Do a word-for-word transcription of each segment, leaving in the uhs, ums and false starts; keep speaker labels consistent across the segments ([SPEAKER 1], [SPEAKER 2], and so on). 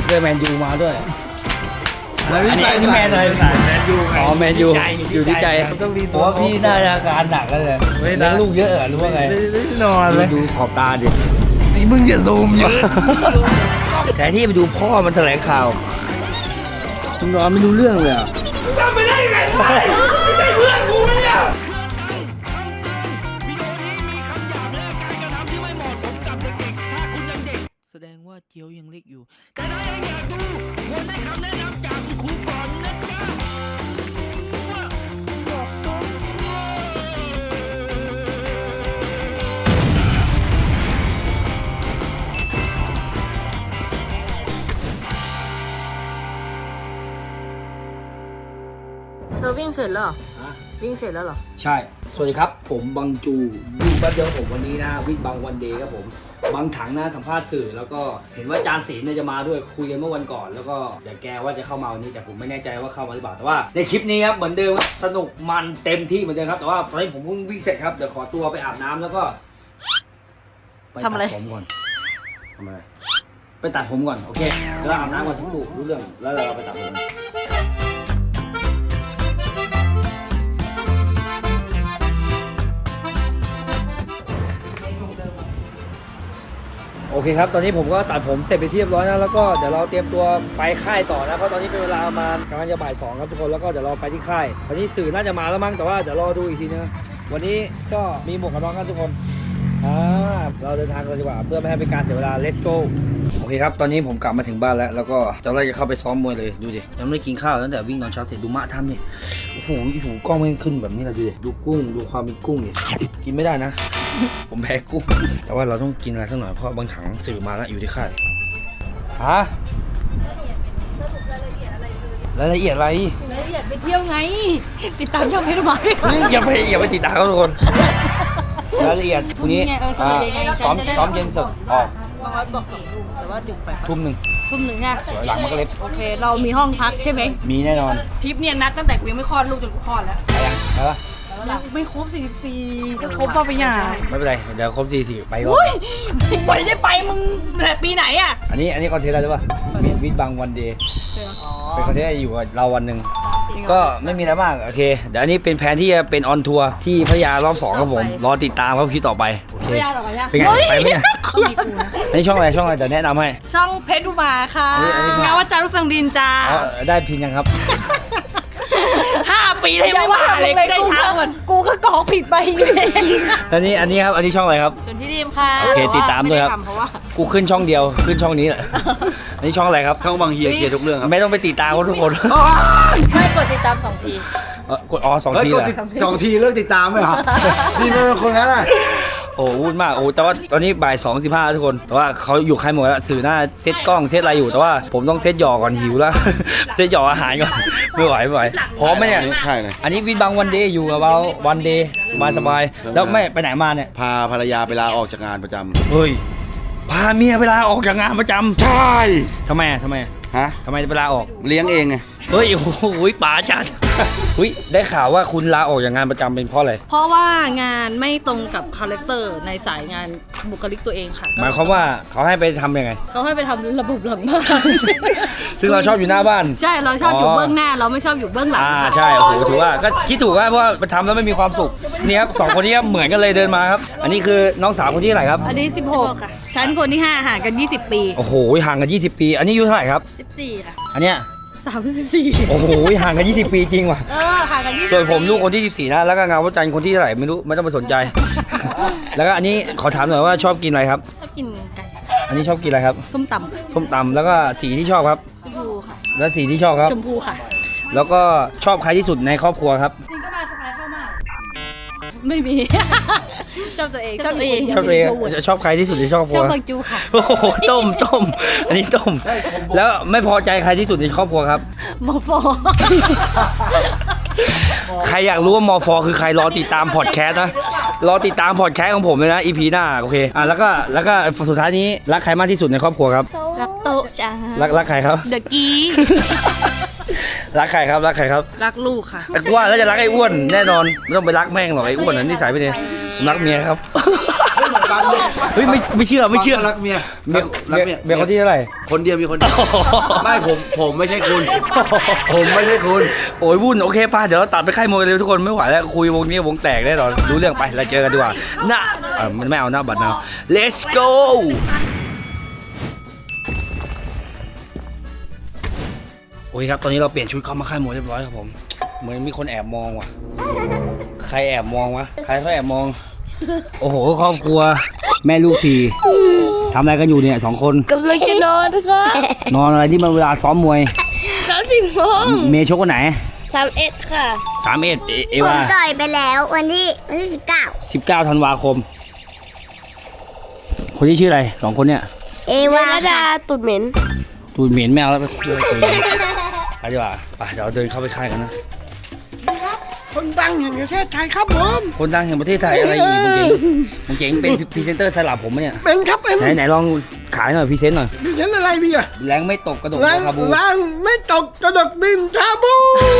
[SPEAKER 1] เสื้อแมนยูมาด้วย
[SPEAKER 2] อันนี้
[SPEAKER 1] อันนี้แมนอะไร
[SPEAKER 3] แมนยูไง
[SPEAKER 1] อ๋อแมนยูอยู่ที่ใจเพราะว่าพี่น่าจะอาการหนักแล้วเลยเลี้ยงลูกเยอะเหรอรู้ว่าไง
[SPEAKER 3] นอนเลย
[SPEAKER 1] ดูขอบตาดิ
[SPEAKER 2] นี่มึงจะซูมเยอะ
[SPEAKER 1] แทนที่ไปดูพ่อมันแถลงข่าวมึงนอนไม่รู้เรื่องเลยอ่ะ
[SPEAKER 3] ทำไปได้ยังไงวะไม่ใช่เพื่อนกูไหมเนี่ย
[SPEAKER 4] แสดงว่าเจียวยังเล็กอยู่แต่ถ้ายังอยากดูควรได้คำแนะนำจากคุณครูก่อนนะจ๊ะ
[SPEAKER 5] เธอวิ่งเสร็จแล้วเหรอวิ่งเสร็จแล้วเหรอ
[SPEAKER 1] ใช่สวัสดีครับผมบังจูวิ่งแป๊บเดียวผมวันนี้นะวิ่งบางวันเดย์ครับผมบางถังนะสัมภาษณ์สื่อแล้วก็เห็นว่าจานศีลเนี่ยจะมาด้วยคุยกันเมื่อวันก่อนแล้วก็เดี๋ยวแกว่าจะเข้ามาวันนี้แต่ผมไม่แน่ใจว่าเข้ามาหรือเปล่าแต่ว่าในคลิปนี้ครับเหมือนเดิมสนุกมันเต็มที่เหมือนเดิมครับแต่ว่าตอนนี้ผมเพิ่งวิ่งเสร็จครับเดี๋ยวขอตัวไปอาบน้ำแล้วก็ไปตัดผมก่อนทำอะไรไปตัดผมก่อนโอเคแล้วอาบน้ำก่อนทั้งคู่รู้เรื่องแล้วเราไปตัดผมโอเคครับตอนนี้ผมก็ตัดผมเสร็จไปเรียบร้อยแล้วแล้วก็เดี๋ยวเราเตรียมตัวไปค่ายต่อนะเพราะตอนนี้เป็นเวลาประมาณกำลังจะบ่ายสองครับทุกคนแล้วก็เดี๋ยวเราไปที่ค่ายวันนี้สื่อน่าจะมาแล้วมั้งแต่ว่าเดี๋ยวรอดูอีกทีนะวันนี้ก็มีหมวกกันน็อกกันทุกคนอ่าเราเดินทางกันดีกว่าเพื่อไม่ให้เป็นการเสียเวลา let's go โอเคครับตอนนี้ผมกลับมาถึงบ้านแล้วแล้วก็จะไล่จะเข้าไปซ้อมมวยเลยดูดิยังไม่ได้กินข้าวตั้งแต่วิ่งตอนเช้าเสร็จดูมะทำเนี่ยโอ้โหโอ้โหกล้องมันขึ้นแบบนี้เลยดูดิดูกุ้งดูความเป็นกุ้งดิกินไม่ได้นะผมแพ้กุ้งแต่ว่าเราต้องกินอะไรสักหน่อยเพราะบางถังสื่อมาแล้วอยู่ที่ค่ายฮะรายละเอียดอะไรรายละเอียดอะไร
[SPEAKER 5] รายละเอียดไปเที่ยวไงติดตามช่องเพชรมาด้วย
[SPEAKER 1] อย่าไปอย่าไปติดตามเขาทุกคนรายละเอียดพรุ่งนี้ซ้อมซ้อมเย็นสดออก
[SPEAKER 5] บางวันบอกสองทุ่มแต่ว่าดึกไป
[SPEAKER 1] ทุ่มหนึ่ง
[SPEAKER 5] ทุ่มหนึ่งใช่
[SPEAKER 1] สวยหลังมันก็เล็บ
[SPEAKER 5] โอเคเรามีห้องพักใช่ไหม
[SPEAKER 1] มีแน่นอน
[SPEAKER 5] ทริปเนี่ยนัดตั้งแต่กูยังไม่คลอดลูกจนกูคลอดแล้ว
[SPEAKER 1] ไปยังไปปะ
[SPEAKER 5] ไม่ครบสี่สิบสี่ก็ครบป่ะไปอย่าง
[SPEAKER 1] ไม่เป็นไรเดี๋ยวครบสี่สิบไปก่อน
[SPEAKER 5] ไปได้ไปมึงแต่ปีไหนอ่ะ
[SPEAKER 1] อันนี้อันนี้คอนเทนต์อะไรรู้ป่ะวิดบางวันเดย์เป็นคอนเทนต์อยู่กับเราวันหนึ่งก็ไม่มีอะไรมากโอเคเดี๋ยวอันนี้เป็นแผนที่จะเป็นออนทัวร์ที่พัทยารอบสองครับผมรอติดตามครับคลิปต่อไปโอเคเป็นไงไปไหมเนี่ยอันนี้ช่องอะไรช่องอะไรเดี๋ยวแนะนำให้
[SPEAKER 5] ช่องเพชรอุมาค่ะงานวัดจันทร์ลูกสังดินจ้า
[SPEAKER 1] ได้พินยังครับ
[SPEAKER 5] ห้าปีเลยไม่ว่าเลยได้ช้าก่อนกูก็กรอกผิดไปเอง
[SPEAKER 1] อันนี้อันนี้ครับอันนี้ช่องอะไรครับ
[SPEAKER 5] ชวนพี่ดีมค่ะ
[SPEAKER 1] โอเคติดตามด้วยครับกูขึ้นช่องเดียวขึ้นช่องนี้แหละอันนี้ช่องอะไรครับ
[SPEAKER 2] ช่องบางเฮียเคลียร์ทุกเรื่องครับ
[SPEAKER 1] ไม่ต้องไปติดตามเขาทุกคน
[SPEAKER 5] ไม่กดติดตามสองที
[SPEAKER 1] กดอ๋อสองที
[SPEAKER 2] เหรอสองทีเลิกติดตามไหมเหรอทีเป็นคนนั้นอ่ะ
[SPEAKER 1] โอ้วุ่นมากโอ้แต่ว่าตอนนี้บ่ายสองสิบห้าทุกคนแต่ว่าเขาอยู่ค่ายหมดแล้วสื่อหน้าเซตกล้องเซตอะไรอยู่แต่ว่าผมต้องเซตหยอกก่อนหิวแล้วเซตหยอกอาหารก่อนไม่ไหวไม่ไหวพร้อมไหมเนี่ย
[SPEAKER 2] ใช่เลย
[SPEAKER 1] อันนี้วิดบางวันเดย์อยู่กับเราวันเดย์สบายสบายแล้วไม่ไปไหนมาเนี่ย
[SPEAKER 2] พาภรรยาไปลาออกจากงานประจำ
[SPEAKER 1] เฮ้ยพาเมียเวลาออกจากงานประจำ
[SPEAKER 2] ใช่
[SPEAKER 1] ทำไมทำไม
[SPEAKER 2] ฮะ
[SPEAKER 1] ทำไมเวลาออก
[SPEAKER 2] เลี้ยงเองไง
[SPEAKER 1] เฮ้ยโอ้โหป๋าจัดอุ้ยได้ข่าวว่าคุณลาออกจากงานประจำเป็นเพราะอะไร
[SPEAKER 5] เพราะว่างานไม่ตรงกับคาแรคเตอร์ในสายงานบุคลิกตัวเองค่ะ
[SPEAKER 1] หมายความว่าเขาให้ไปทำยังไง
[SPEAKER 5] เขาให้ไปทำระบบหลังบ้าน
[SPEAKER 1] ซึ่งเราชอบอยู่หน้าบ้าน
[SPEAKER 5] ใช่เราชอบอยู่เบื้องหน้าเราไม่ชอบอยู่เบื้องหลัง
[SPEAKER 1] อ่าใช่โอ้โหถือว่าก็คิดถูกว่าเพราะว่าไปทำแล้วไม่มีความสุขนี่ครับสองคนนี้เหมือนกันเลยเดินมาครับอันนี้คือน้องสาวคนที่เท่าไหร่ครับ
[SPEAKER 5] อันนี้สิบหกค่ะฉันคนที่ห้าห่างกันยี่สิบปี
[SPEAKER 1] โอ้โหห่างกันยี่สิบปีอันนี้อายุเท่าไหร่ครับ
[SPEAKER 5] สิบสี่ค่ะ
[SPEAKER 1] อันเนี้ย
[SPEAKER 5] สามสิบสี่
[SPEAKER 1] โอ้โหห่างกันยี่สิบปีจริงว่ะ
[SPEAKER 5] เออห่างกันยี่สิบ
[SPEAKER 1] ส่วนผมลูกคนที่สิบสี่นะแล้วก็งานวัดจันทร์คนที่เท่าไหร่ไม่รู้ไม่ต้องไปสนใจแล้วก็อันนี้ขอถามหน่อยว่าชอบกินอะไรครับ
[SPEAKER 5] ชอบกินไก่
[SPEAKER 1] อันนี้ชอบกินอะไรครับ
[SPEAKER 5] ส้มตำ
[SPEAKER 1] ส้มตำแล้วก็สีที่ชอบครับ
[SPEAKER 5] ชมพูค่ะ
[SPEAKER 1] แล้วสีที่ชอบครับ
[SPEAKER 5] ชมพูค่ะ
[SPEAKER 1] แล้วก็ชอบใครที่สุดในครอบครัวครับ
[SPEAKER 5] จริงก็มาสบายเข้ามากไม่มีชอบตัวเอง
[SPEAKER 1] ชอบตัวเองชอบตัวเองชอบใครที่สุดในครอบครัว
[SPEAKER 5] ชอบบางจูค่ะ
[SPEAKER 1] โอ้โหต้มต้มอันนี้ต้มแล้วไม่พอใจใครที่สุดในครอบครัวครับ
[SPEAKER 5] มอฟอ
[SPEAKER 1] ใครอยากรู้ว่ามอฟอคือใครรอติดตามพอดแคสต์นะรอติดตามพอดแคสต์ของผมเลยนะ อี พี หน้าโอเคอ่ะแล้วก็แล้วก็สุดท้ายนี้รักใครมากที่สุดในครอบครัวครับ
[SPEAKER 5] รักโตจ้า
[SPEAKER 1] รักรักใครครับ
[SPEAKER 5] เดอะกี้
[SPEAKER 1] รักใครครับรักใครครับ
[SPEAKER 5] รักลูกค่ะ
[SPEAKER 1] แต่ว่าแล้วจะรักไอ้อ้วนแน่นอนไม่ต้องไปรักแม่งหรอกไอ้อ้วนนั้นนิสัยไม่ดีรักเมียครับ
[SPEAKER 2] ฟังดิ
[SPEAKER 1] เฮ้ยไม่ไม่เชื่อไม่เชื่อ
[SPEAKER 2] รักเมีย
[SPEAKER 1] เมีย
[SPEAKER 2] รักเมีย
[SPEAKER 1] เมียคนที่เท่าไหร่
[SPEAKER 2] คนเดียวมีคนเดียวไม่ผมผมไม่ใช่คุณ ผมไม่ใช่คุณ
[SPEAKER 1] โอ้ยวุ่นโอเคป่ะเดี๋ยวเราตัดไปค่ายมวยกันเลยทุกคนไม่ไหวแล้วคุยวงนี้วงแตกแน่นอนรู้เรื่องไปเราเจอกันดีกว่าหน้าอ่ะมันไม่เอาหน้าบัตรนะ let's go โอเคครับตอนนี้เราเปลี่ยนชุดเข้ามาค่ายมวยเรียบร้อยครับผมเหมือนมีคนแอบมองว่ะใครแอบมองวะใครเขาแอบมองโอ้โหครอบครัวแม่ลูกทีทำอะไรกันอยู่เนี่ยสองคน
[SPEAKER 5] กำลังจะนอนค่ะ
[SPEAKER 1] นอนอะไรที่มันเวลาซ้อมมวย
[SPEAKER 5] สามสิบโมง
[SPEAKER 1] เมย์ชกวันไหน
[SPEAKER 5] สามเอ็ดค่ะ
[SPEAKER 1] สามเอ็ดเอเอ
[SPEAKER 6] ผม
[SPEAKER 1] วา
[SPEAKER 6] ต่อยไปแล้ววันที่วันที่สิบเก้า
[SPEAKER 1] สิบเก้าธันวาคม คนที่ชื่ออะไรสองคนเนี่ย
[SPEAKER 6] เอ
[SPEAKER 5] เว
[SPEAKER 6] วา
[SPEAKER 5] ลาดา
[SPEAKER 6] ค่ะ
[SPEAKER 5] ตุดเหม็น
[SPEAKER 1] ตูนเหม็นแมวแล้วไปคุยคุยไปดีกว่าไปเดี๋ยวเดินเข้าไปค่ายกันนะ
[SPEAKER 3] คนดังแห่งประเทศไทยครับผม
[SPEAKER 1] คนดังแห่งประเทศไทยอะไรอีกมึงเจ๋งมึงเจ๋งเป็นพรีเซนเตอร์สลับผมปะเนี่ย
[SPEAKER 3] เป็นครับเป็น
[SPEAKER 1] ไหนไหนลองขายหน่อยพรีเซนต์หน่อย
[SPEAKER 3] ดิฉันอะไรดีอะ
[SPEAKER 1] แรงไม่ตกกระดก
[SPEAKER 3] ล้าง
[SPEAKER 1] คาบู
[SPEAKER 3] ล้างไม่ตกกระดกดินชาบู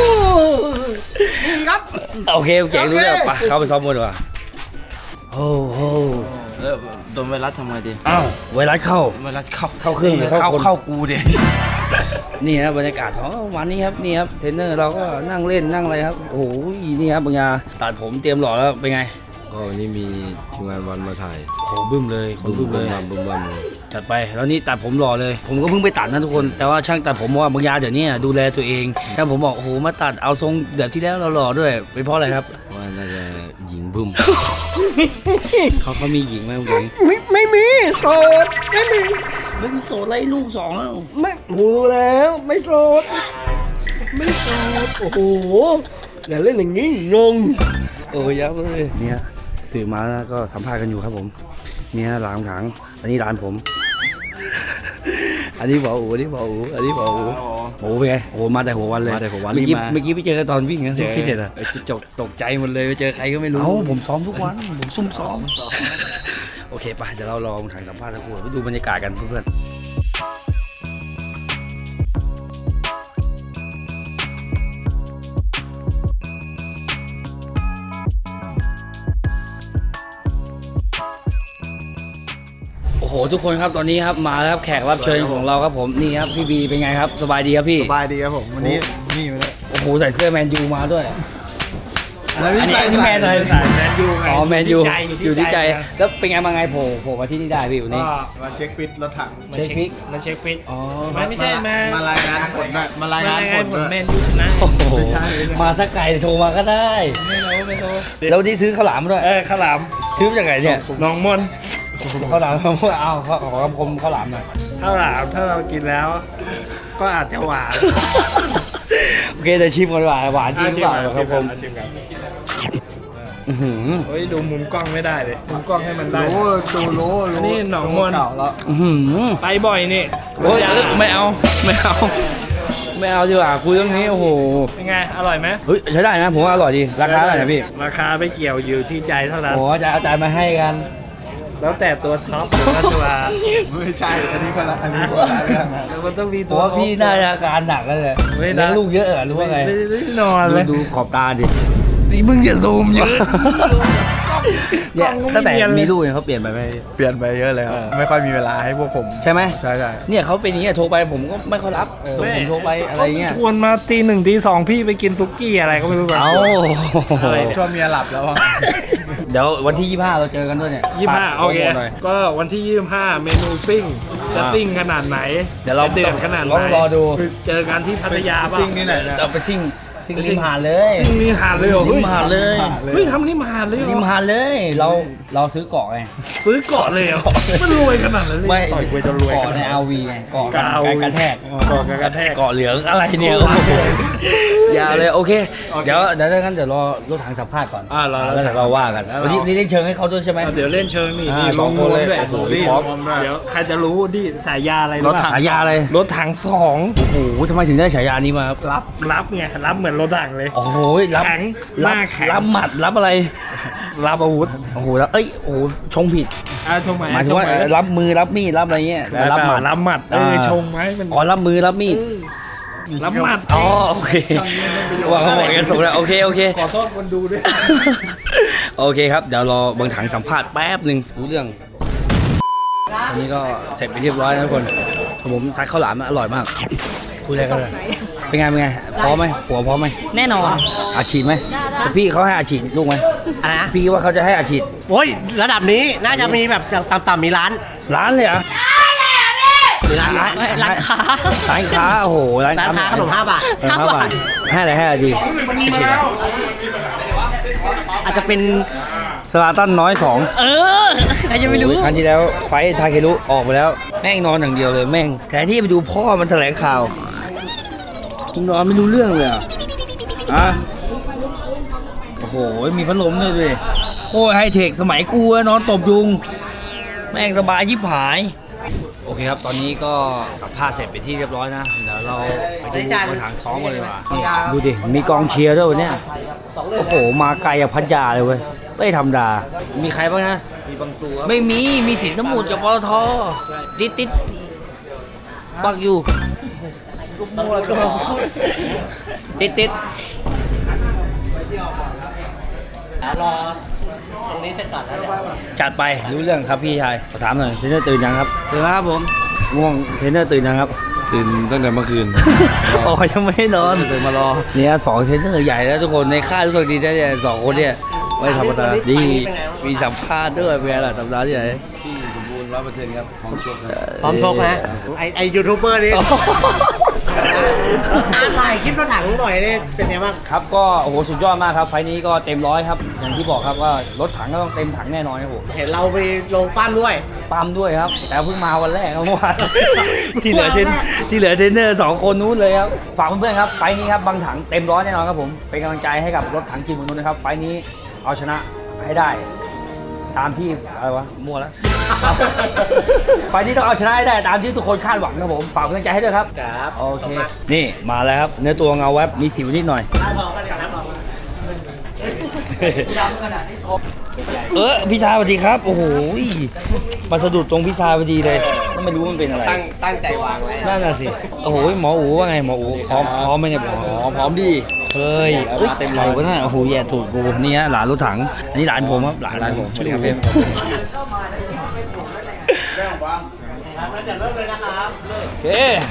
[SPEAKER 3] นี่ครับ
[SPEAKER 1] โอเคเจ๋งรู้แล้วไปเข้าไปซ้อมมวยดีกว่าโอ้โห
[SPEAKER 7] เออโดนไวรัสทำไงดี
[SPEAKER 1] อ้าวไวรัสเข้า
[SPEAKER 7] ไวรัสเข้า
[SPEAKER 1] เข้าเครื่องหรือเข้า
[SPEAKER 7] เข้า
[SPEAKER 1] คน
[SPEAKER 7] เข้ากูดิ
[SPEAKER 1] นี่นะบรรยากาศสองวันนี้ครับนี่ครับเทรนเนอร์เราก็นั่งเล่นนั่งอะไรครับโอ้โหนี่ครับบางยาตัดผมเตรียมหล่อแล้วเป็นไง
[SPEAKER 7] ก็วันนี้มีทีมงานวันมาถ่าย
[SPEAKER 1] โอ้โหบึ้มเลยคนบึ้มเลย
[SPEAKER 7] บัมบึ้มบัม
[SPEAKER 1] จัดไปแล้วนี่ตัดผมหล่อเลย ผมก็เพิ่งไปตัดนะทุกคนแต่ว่าช่างตัดผมว่าบางยาเดี๋ยวนี้ดูแลตัวเองถ้าผมบอกโอ้โหมาตัดเอาทรงแบบที่แล้วเราหล่อด้วยเป็นเพราะอะไรครับ
[SPEAKER 7] ว่าน่าจะหญิงบึ้ม
[SPEAKER 1] เขาเขามีหญิงไหมคุณหญิง
[SPEAKER 3] ไม่ไม่มีโสดไม่มี
[SPEAKER 1] ไม่มีโสดไล่ลูกสองแล้ว
[SPEAKER 3] ไม่รู้แล้วไม่โสดไม่โสดโอ้โหอย่าเล่นอย่างนี้งง
[SPEAKER 1] โอ้ยยับเลยเนี่ยสื่อมาแล้วก็สัมภาษณ์กันอยู่ครับผมเนี่ยร้านถังอันนี้ร้านผม อันนี้บอกอูอันนี้บอกอูอันนี้บอกอูโอ้เป็นไงโอ้มาแต่หัววันเลย
[SPEAKER 7] มาแต่หัววัน
[SPEAKER 1] เมื่อกี้
[SPEAKER 7] รีบมา
[SPEAKER 1] เมื่อกี้ไปเจอกันตอนวิ่งนะ
[SPEAKER 7] เจอ
[SPEAKER 1] ฟิตเนสอะ
[SPEAKER 7] ไอ้จิ๊กจกตกใจหมดเลยไปเจอใครก็ไม่รู้
[SPEAKER 1] เอ้าผมซ้อมทุกวันผมซุ่มซ้อมโอเคไปเดี๋ยวเราลองถ่ายสัมภาษณ์ทั้งคู่ไปดูบรรยากาศกันเพื่อนโอ้โหทุกคนครับตอนนี้ครับมาแล้วครับแขกรับเชิญของเราครับผมนี่ครับพี่บีเป็นไงครับสบายดีครับพี่
[SPEAKER 2] สบายดีครับผมวันนี้นี่อยู่เลย
[SPEAKER 1] โอ้โหใส่เสื้อแมนยูมาด้วย
[SPEAKER 2] แล้ว
[SPEAKER 1] อันนี้
[SPEAKER 2] ใส่
[SPEAKER 1] อันนี้แมนเลย
[SPEAKER 3] สายแมนยูไง
[SPEAKER 1] อ๋อแมนยู
[SPEAKER 3] อยู่
[SPEAKER 1] อยู่
[SPEAKER 3] ที่
[SPEAKER 1] ที่
[SPEAKER 3] ใจ
[SPEAKER 1] ใจแล้วเป็นไงมาไงโผล่โผล่มาที่นี่ได้พี่วันนี้
[SPEAKER 3] ก็
[SPEAKER 2] มาเช็คฟิตรถถัง
[SPEAKER 3] มา
[SPEAKER 1] เช็ค
[SPEAKER 3] เช็ค
[SPEAKER 1] ฟิก
[SPEAKER 3] มาเช็คฟิต
[SPEAKER 1] อ๋อ
[SPEAKER 3] ไม่ไม่ใช่มา
[SPEAKER 2] มารายงานผลหน่อยมารายงานผล
[SPEAKER 3] ผ
[SPEAKER 2] ด้
[SPEAKER 3] ล
[SPEAKER 2] วย
[SPEAKER 3] แมนยูชนะ
[SPEAKER 1] โอ้โห
[SPEAKER 2] ไม่ใช่ไม่ใช่
[SPEAKER 1] มาสักไก่โทรมาก็ได้
[SPEAKER 3] ไม่รู้ไม่รู้
[SPEAKER 1] แล้ววันนี้ซื้อข้าวหลามมาด้วย
[SPEAKER 3] เออข้าวหลาม
[SPEAKER 1] ซื้อมาจากไหนเนี่ย
[SPEAKER 3] น้องมน
[SPEAKER 1] ข้าวหลามเอาขอขอคำคมข้าวหลามหน่อย
[SPEAKER 3] ข้าวหลามถ้าเรากินแล้ว ก็อาจจะหวาน
[SPEAKER 1] โอเคเดี๋ยวชิมก่อนดีกว่าหวานจริงหรือเปล่าครับผม
[SPEAKER 3] ชิมกัน
[SPEAKER 1] อื้อหือ
[SPEAKER 3] เฮ้ยดูมุมกล้องไม่ได้เลยมุมกล้องให้มันได้
[SPEAKER 2] โอ้ดูโล
[SPEAKER 3] อันนี้หนองมน
[SPEAKER 2] เก่าแล้ว
[SPEAKER 1] อื้อหือ
[SPEAKER 3] ไปบ่อยนี่
[SPEAKER 1] โอ้ยไม่เอาไม่เอาไม่เอาดีกว่าคุยเรื่องนี้โอ้โห
[SPEAKER 3] เป็นไงอร่อยไหม
[SPEAKER 1] เฮ้ยใช้ได้นะผมว่าอร่อยดีราคาเท่าไหร่นะพี่
[SPEAKER 3] ราคาไม่เกี่ยวอยู่ที่ใจเท่านั้น
[SPEAKER 1] โอ้จะเอาใจมาให้กัน
[SPEAKER 3] แล้วแต่ตัวท็อปหรือว่าตัว
[SPEAKER 2] ไม่ใช่อันนี้คนละอันนี้คนละเรื่องนะ
[SPEAKER 3] แล้วมันต้องมี
[SPEAKER 1] ผ
[SPEAKER 3] ตั
[SPEAKER 1] ม
[SPEAKER 3] ว
[SPEAKER 1] ว่าพี่น่าจะอาการหนักแล้วเลย
[SPEAKER 3] ไม่
[SPEAKER 1] เลี้
[SPEAKER 3] ได้
[SPEAKER 1] ยงลูกเยอะเหรอหรือว่าไง
[SPEAKER 3] ไม่ได้นอนเลย
[SPEAKER 1] ดูดูขอบตาดิ
[SPEAKER 7] นี่มึงจะซูมเยอะ
[SPEAKER 1] เนี่ย
[SPEAKER 3] กล้องก็ไม่
[SPEAKER 1] ตั้งแต่
[SPEAKER 3] เนียนเลย
[SPEAKER 1] มีลูกเนี่ยเขาเปลี่ยนไปไหม
[SPEAKER 2] เปลี่ยนไปเยอะเลยครับไม่ค่อยมีเวลาให้พวกผม
[SPEAKER 1] ใช่ไหม
[SPEAKER 2] ใช่ใช่
[SPEAKER 1] เนี่ยเขาเป็นอย่างเงี้ยโทรไปผมก็ไม่ค่อยรับส่งผมโทรไปอะไรเงี้ย
[SPEAKER 3] ชวนมาตีหนึ่งตีสองพี่ไปกินซุกี้อะไรก็ไม่รู้แบบ
[SPEAKER 1] เอา
[SPEAKER 3] อะไรเนี่ย
[SPEAKER 2] ช่วงเมียหลับแล้วอะ
[SPEAKER 1] เดี๋ยววันที่ยี่สิบห้าเราเจอกันด้วยเนี่ย
[SPEAKER 3] ยี่สิบห้า
[SPEAKER 1] ฝก
[SPEAKER 3] โอเค
[SPEAKER 1] โปรโมทหน่อย
[SPEAKER 3] ก็วันที่ยี่สิบห้าเมนูซิ่งจะ
[SPEAKER 1] อ่า
[SPEAKER 3] ซิ่งขนาดไหน
[SPEAKER 1] เดี๋ยวเรา
[SPEAKER 3] จะเดือดขนาดไหน
[SPEAKER 1] ต้องรอดู
[SPEAKER 3] เจอกันที่พัทยาป่ะ
[SPEAKER 2] ซิ่งที่ไหนเนี่ย
[SPEAKER 1] เราไปซิ่งซิ่งริมหาดเลย
[SPEAKER 3] ซิ่งนี่หาดเลยเหรอ
[SPEAKER 1] ริมหาดเลย
[SPEAKER 3] เฮ้ยทำนี่มาหาดเลยเหร
[SPEAKER 1] ริม
[SPEAKER 3] อ
[SPEAKER 1] หาดเลย เราเราซื้อเกาะไง
[SPEAKER 3] ซื้อเกาะเลยเหรอมันรวยขนาดนั้นเลย
[SPEAKER 1] ไม่
[SPEAKER 3] ต่อยกวยจะรวย
[SPEAKER 1] เกาะในอาวีไงเกาะ
[SPEAKER 3] กะเอา
[SPEAKER 1] การกระแทก
[SPEAKER 3] เกาะกระแทก
[SPEAKER 1] เกาะเหลืองอะไรเนี่ย
[SPEAKER 3] เกาะเหลือง
[SPEAKER 1] ยาวเลยโอเค
[SPEAKER 3] โอเค
[SPEAKER 1] เดี๋ยวเดี๋ยวถ้างั้นเดี๋ยวรอรถถังสัมภาษณ์ก่อน
[SPEAKER 3] อ่ารอรถถัง
[SPEAKER 1] แล้วเดี๋ยวเราว่ากัน
[SPEAKER 3] แล้วเรา
[SPEAKER 1] วันนี้นี่ได้เชิญให้เขาด้วยใช่ไหม
[SPEAKER 3] เอาเดี๋ยวเล่นเชิงนี่
[SPEAKER 1] อ่า
[SPEAKER 3] นี่
[SPEAKER 1] ส
[SPEAKER 3] ล
[SPEAKER 1] อง
[SPEAKER 3] ง
[SPEAKER 1] คน
[SPEAKER 3] นว
[SPEAKER 1] เล
[SPEAKER 3] ม
[SPEAKER 1] ย
[SPEAKER 3] ด้วย
[SPEAKER 1] โอ้โห
[SPEAKER 3] นี่
[SPEAKER 1] พร้อม
[SPEAKER 3] เดี๋ยวใครจะรู้ดิฉายาอะไรรู้ป่ะ
[SPEAKER 1] ฉายาอะไร
[SPEAKER 3] รถถังสอง
[SPEAKER 1] โอ้โหทำไมถึงได้ฉายานี้มาครับ
[SPEAKER 2] รับ
[SPEAKER 3] รับไงรับเหมือนรถถังเลย
[SPEAKER 1] โอ้โหรับ
[SPEAKER 3] แข็งห
[SPEAKER 1] รั
[SPEAKER 3] น้า
[SPEAKER 1] บ
[SPEAKER 3] แข็ง
[SPEAKER 1] รับหมัดรับอะไร
[SPEAKER 3] รับอาวุธ
[SPEAKER 1] โอ้โหแล้วเอ้ยโอ้โหชงผิด
[SPEAKER 3] อ่าชงไหม
[SPEAKER 1] หมายถึงว่า
[SPEAKER 3] ชไหม
[SPEAKER 1] รับมือรับมีดรับอะไรเงี้ยแต่รับหมัด
[SPEAKER 3] รับหมัดเออ
[SPEAKER 1] อ่า
[SPEAKER 3] ชงไหมมัน
[SPEAKER 1] อ๋อรับมือรับมีด
[SPEAKER 3] รับหมัด
[SPEAKER 1] อ๋อโอเคว่าเขาบอกกันส่งแล้วโอเคโอเค
[SPEAKER 3] ขอโทษคนดูด้วย
[SPEAKER 1] โอเคครับ เดี๋ยวรอบางถังสัมภาษณ์แป๊บหนึ่งรู้เรื่องอันนี้ก็เสร็จไปเรียบร้อยแล้วทุกคนผมซัดข้าวหลามอร่อยมากคุยอะไรกันเลยเป็นไงเป็นไงพร้อมไหมหัวพร้อมไหม
[SPEAKER 5] แน่นอน
[SPEAKER 1] อาชีพไหมพี่เขาให้อาชีพลูกไหม
[SPEAKER 3] อะไรนะ
[SPEAKER 1] พี่ว่าเขาจะให้อาชีพ
[SPEAKER 3] โอ้ยระดับนี้น่าจะมีแบบต่ำๆมีร้าน
[SPEAKER 1] ร้านเลยเหรอ่ะ
[SPEAKER 3] ร้าน
[SPEAKER 1] ร้าน
[SPEAKER 5] ร้านค้า
[SPEAKER 1] ร้านค้าโอ้โหร้าน
[SPEAKER 3] ร้านค้าขนมห้าบาท
[SPEAKER 1] เออห้าบาทให้อะไรให้อะไรดีอาชีพอะไร
[SPEAKER 5] อาจจะเป็น
[SPEAKER 1] สลาตันน้อยสอง
[SPEAKER 5] เออใครจะไม่รู้
[SPEAKER 1] โอ้ยครั้งที่แล้วไฟท์ทาเครุออกไปแล้วแม่งนอนอย่างเดียวเลยแม่งแทนที่ไปดูพ่อมันแถลงข่าวมึงนอนไม่รู้เรื่องเลยเหรอ่ะอ่ะโอ้โหมีพัดลมด้วยด้วยโอ้ยไฮเทคสมัยกูอะนอนตบยุงแม่งสบายยิบหายโอเคครับตอนนี้ก็สัมภาษณ์เสร็จไปที่เรียบร้อยนะเดี๋ยวเราไปดูกระถางซ้อมกันเลยว่ะนี่ดูดิมีกองเชียร์ด้วยวันเนี้ยโอ้โหมาไกลอะพัทยาเลยเว้ยไม่ธรรมดามีใครบ้างนะมีบางตัวไม่มีมีสินสมุทรกับปตทติดติดปักอยู่ติดติด
[SPEAKER 3] รอตรงนี้เสร็จก่อนแล้วเดี๋ยว
[SPEAKER 1] จัดไปรู้เรื่องครับพี่ชายขอถามหน่อยเทรนเนอร์ตื่นยังครับ
[SPEAKER 7] ตื่นแล้วครับผม
[SPEAKER 1] ง่วงเทรนเนอร์ตื่นยังครับ
[SPEAKER 7] ตื่นตั้งแต่เมื่อคืน
[SPEAKER 1] อ๋อยังไม่นอนตื่นมารอเนี่ยสองเทรนเนอร์ใหญ่แล้วทุกคนในค่ายรู้สึกดีนะเนี่ยสองคนเนี่ยไม่ธรรมดาดีมีสัมภาษณ์ด้วยเป็นไงล่ะสัปดาห์ที่ไหน
[SPEAKER 7] ที่สมบูรณ์ร้อยเปอร์เซ็นต์ครับพร้อมชกครับ
[SPEAKER 3] พร้อมชกนะไอไอยูทูบเบอร์นี่อ่านหน่อยคลิปรถถังหน่อยนี่เป็นไงบ้าง
[SPEAKER 1] ครับก็โอ้โหสุดยอดมากครับไฟล์นี้ก็เต็มร้อยครับอย่างที่บอกครับว่ารถถังก็ต้องเต็มถังแน่นอนครับผม
[SPEAKER 3] เห็นเราไปลงปั้มด้วย
[SPEAKER 1] ปั๊มด้วยครับแต่เพิ่งมาวันแรกครับเมื่อวาน ที่เหลือเทรนที่เหลือเทรนเนอร์สองคนนู้นเลยครับฝากเพื่อนๆครับไฟล์นี้ครับบางถังเต็มร้อยแน่นอนครับผมเป็นกำลังใจให้กับรถถังจีนของนู้นนะครับไฟล์นี้เอาชนะให้ได้ ตามที่อะไรวะมั่วแล้ว ไฟล์นี้ต้องเอาชนะให้ได้ตามที่ทุกคนคาดหวังครับผมฝากกำลังใจให้ด้วยครับ
[SPEAKER 3] ครับ
[SPEAKER 1] โอเคนี่มาแล้วครับเนื้อตัวเงาแวบมีสิวนิดหน่อย เออพี่ชายสวัสดีครับโอ้โหมาสะดุดตรงพี่ชายพอดีเลยก็ไม่รู้มันเป็นอะไร
[SPEAKER 3] ตั้งตั้งใจวางไว้
[SPEAKER 1] นั่นน่ะสิโอ้โหหมออูว่าไงหมออูพร้อมพร้อมไหมเนี่ยหมอ
[SPEAKER 7] อ๋อพร้อมดี
[SPEAKER 1] เฮ้ยเอ้ยเต็มเลยวะน่ะโอ้โหแย่ถูกกูนี่ฮะหลานรถถังอันนี้หลานผมครับหลาน
[SPEAKER 7] หลานผม
[SPEAKER 1] สวัสดีครับพี่
[SPEAKER 3] ครับงั้นเดี๋ยวเริ่มเลยนะครับ
[SPEAKER 1] เอ๊ะ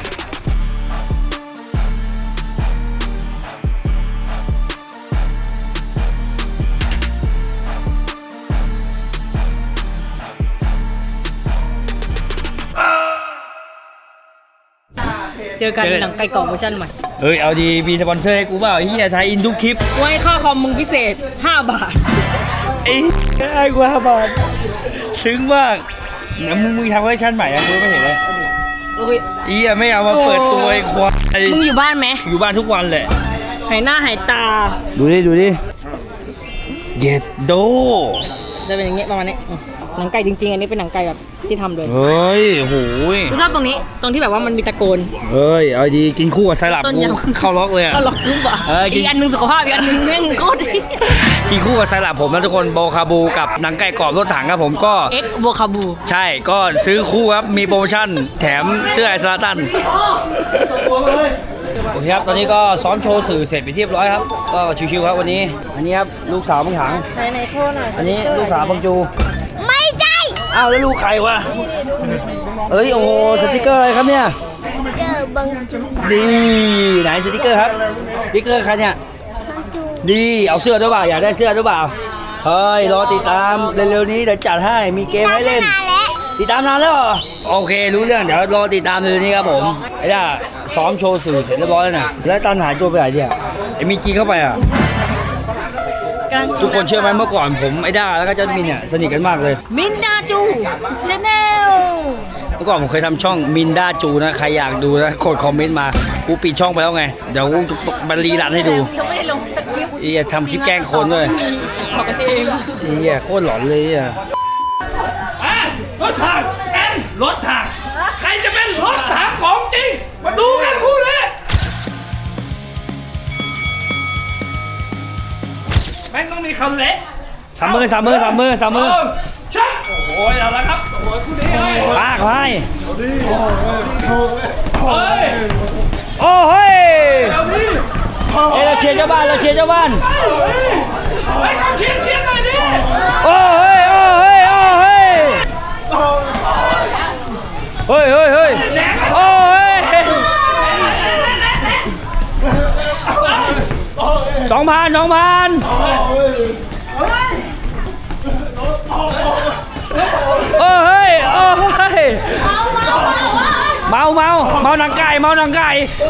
[SPEAKER 5] เจอกันหนังไก่กรอบเวอร์ชันใหม่
[SPEAKER 1] เอ้ยเอาดีมีสปอนเซอร์ให้กูเปล่าเฮียไทยอินทุกคลิป
[SPEAKER 5] ไว้ค่าคอมมึงพิเศษ ห้า บาท
[SPEAKER 1] ไอ้ไอ้กูห้าบาทซึ้งมากเนี่ยมึงมึงทำเวอร์ชันใหม่อะกูไม่เห็นเลย
[SPEAKER 5] โอ้ย
[SPEAKER 1] เฮียไม่เอามาเปิดตัวไอ้ควาย
[SPEAKER 5] มึงอยู่บ้านไหม
[SPEAKER 1] อยู่บ้านทุกวันแหละ
[SPEAKER 5] หายหน้าหายตา
[SPEAKER 1] ดูดิดูดิเย็ดโด
[SPEAKER 5] จะเป็นอย่างเงี้ยประมาณนี้อืมหนังไก่จริงๆ อันนี้เป็นหนังไก่แบบที่ทำเลย
[SPEAKER 1] เฮ้ยโหย
[SPEAKER 5] กูชอบตรงนี้ ตรงที่แบบว่ามันมีตะโกน
[SPEAKER 1] เฮ้ยเอาดีกินคู่กับไซรัป
[SPEAKER 5] ต้น
[SPEAKER 1] กู
[SPEAKER 5] ยำ
[SPEAKER 1] เข้าล็อกเลยอะ
[SPEAKER 5] เขาหลอกลูกอ่ะ
[SPEAKER 1] เออกิน
[SPEAKER 5] อีกอันหนึงสุขภาพอีกอันหนึงแม่งโคตรดี
[SPEAKER 1] กินคู่กับไซรัปผมนะทุกคนโบคาบูกับหนังไก่กรอบรถถังครับผมก็
[SPEAKER 5] เอ็กโบคาบู
[SPEAKER 1] ใช่ก็ซื้อคู่ครับมีโปรโมชั่นแถมเสื้อไอซาตันโอเคครับตอนนี้ก็ซ้อมโชว์สื่อเสร็จไปเรียบร้อยครับก็ชิวๆครับวันนี้อันนี้ครับลูกสาวบังถัง
[SPEAKER 5] ไหนไหนโชว์หน่อย
[SPEAKER 1] อันนี้ลูกสาวบังจู
[SPEAKER 6] ไม่ใช่
[SPEAKER 1] อ้าวแล้วลูกใครวะเอ้ยโอ้โหสติกเกอร์อะไรครับเนี่ย
[SPEAKER 6] เกิดบังจู
[SPEAKER 1] ดีไหนสติกเกอร์ครับสติกเกอร์ใครเนี่ย
[SPEAKER 6] บังจู
[SPEAKER 1] ดีเอาเสื้อด้วยเปล่าอยากได้เสื้อด้วยเปล่าเฮ้ยรอติดตามเร็วๆนี้เดี๋ยวจัดให้มีเกมให้เล่น
[SPEAKER 6] นานแล้ว
[SPEAKER 1] ติดตามนานแล้วเหรอโอเครู้เรื่องเดี๋ยวรอติดตามเลยนี่ครับผมไอ้ด้าซ้อมโชว์สื่อเสร็จเรียบร้อยแล้วนะแล้วตอนหายตัวไปไหนเนี่ยไอ้มีกีเข้าไปอ่ะ
[SPEAKER 5] กำลัง
[SPEAKER 1] ทุกคนเชื่อไหมเมื่อก่อนผมไอ้ด้าแล้วก็จัสมินเนี่ยสนิทกันมากเลย
[SPEAKER 5] มินดาจูชาแนล
[SPEAKER 1] เมื่อก่อนผมเคยทำช่องมินด้าจูนะใครอยากดูนะกดคอมเมนต์มากูปิดช่องไปแล้วไงเดี๋ยวกูบันรีรันให้ดู
[SPEAKER 5] ยังไม่ได้ลงสักคลิป
[SPEAKER 1] ไอ้เหี้ยทำคลิปแกล้งคนด้วย
[SPEAKER 5] บอกกันเอง
[SPEAKER 1] ไอ้เหี้ยโคตรหลอนเลยอ่ะ
[SPEAKER 4] รถถังแอนรถถังใครจะเป็นรถถังของจริง มาดูกันคู่นี้แม่งต้องมีคำเละ
[SPEAKER 1] สามมือสามมือสามมือสามมือ
[SPEAKER 4] เอชักโอ้ยเอาละครับโอ้ยคู่นี้เลย
[SPEAKER 1] ลากไป
[SPEAKER 4] เฮ้ย
[SPEAKER 1] โอ้เฮ้ย
[SPEAKER 4] เอาดิ
[SPEAKER 1] เอ้ยเราเชียร์เจ้าบ้านเราเชียร์เจ้าบ้าน
[SPEAKER 4] ไปเขาเชียร์เชียร์หน่อยดิ
[SPEAKER 1] โอ้เฮ้ยโอ้เฮ้ยโอ้เฮ้ยเฮ้ยเฮ้ยเฮ้ยโอ้เฮ้ยสองพันสองพันโอ้เฮ้ยโอ้เฮ้ยเมาเมาเมาหนังไก่เมาหนังไก่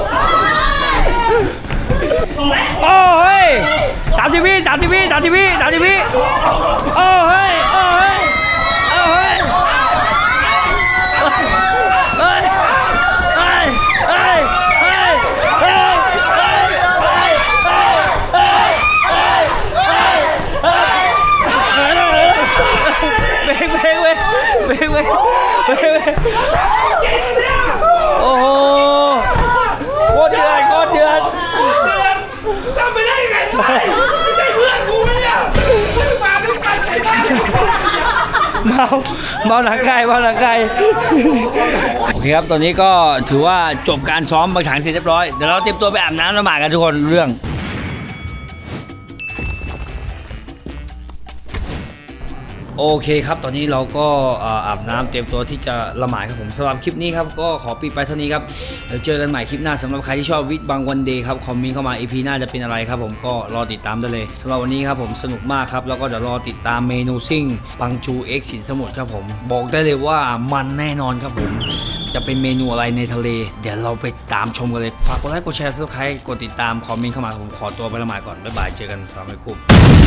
[SPEAKER 1] โอ้เฮ้ยสามสิบวิสามสิบวิสามสิบวิสามสิบวิโอ้เฮ้ยโอ้เฮ้ยโอ้เฮ้ยเฮ้ยเฮ้ยเฮ้ยเฮ้ยเฮ้ยเฮ้ยเฮ้ยเฮ้ยเฮ้ยเฮ้ยเบรกเบรกเบรกเบรกเบรกเบรกเบรกโอ้โหโคตรเดือดโคตรเดือดทำไปได้ยังไงไม่ใช่เพื่อนกูเนี่ยมาด้วยกันไอ้บ้าเมาเมาหนังไก่เมาหนังไก่โอเคครับตอนนี้ก็ถือว่าจบการซ้อมบางถังเสร็จเรียบร้อยเดี๋ยวเราเตรียมตัวไปอาบน้ำละหมาดกันทุกคนเรื่องโอเคครับตอนนี้เราก็อาบน้ำเตรียมตัวที่จะละหมาดครับผมสำหรับคลิปนี้ครับก็ขอปิดไปเท่านี้ครับเดี๋ยวเจอกันใหม่คลิปหน้าสำหรับใครที่ชอบวิทย์บางวันเดย์ครับคอมเมนต์เข้ามา อี พี หน้าจะเป็นอะไรครับผมก็รอติดตามได้เลยสำหรับวันนี้ครับผมสนุกมากครับแล้วก็เดี๋ยวรอติดตามเมนูซิ่งบังจูเอ็กซ์สินสมุทรครับผมบอกได้เลยว่ามันแน่นอนครับผมจะเป็นเมนูอะไรในทะเลเดี๋ยวเราไปตามชมกันเลยฝากกดไลค์กดแชร์ซับสไครต์กดติดตามคอมเมนต์เข้ามาผมขอตัวไปละหมาดก่อนบ๊ายบายเจอกันสวัสดีครับ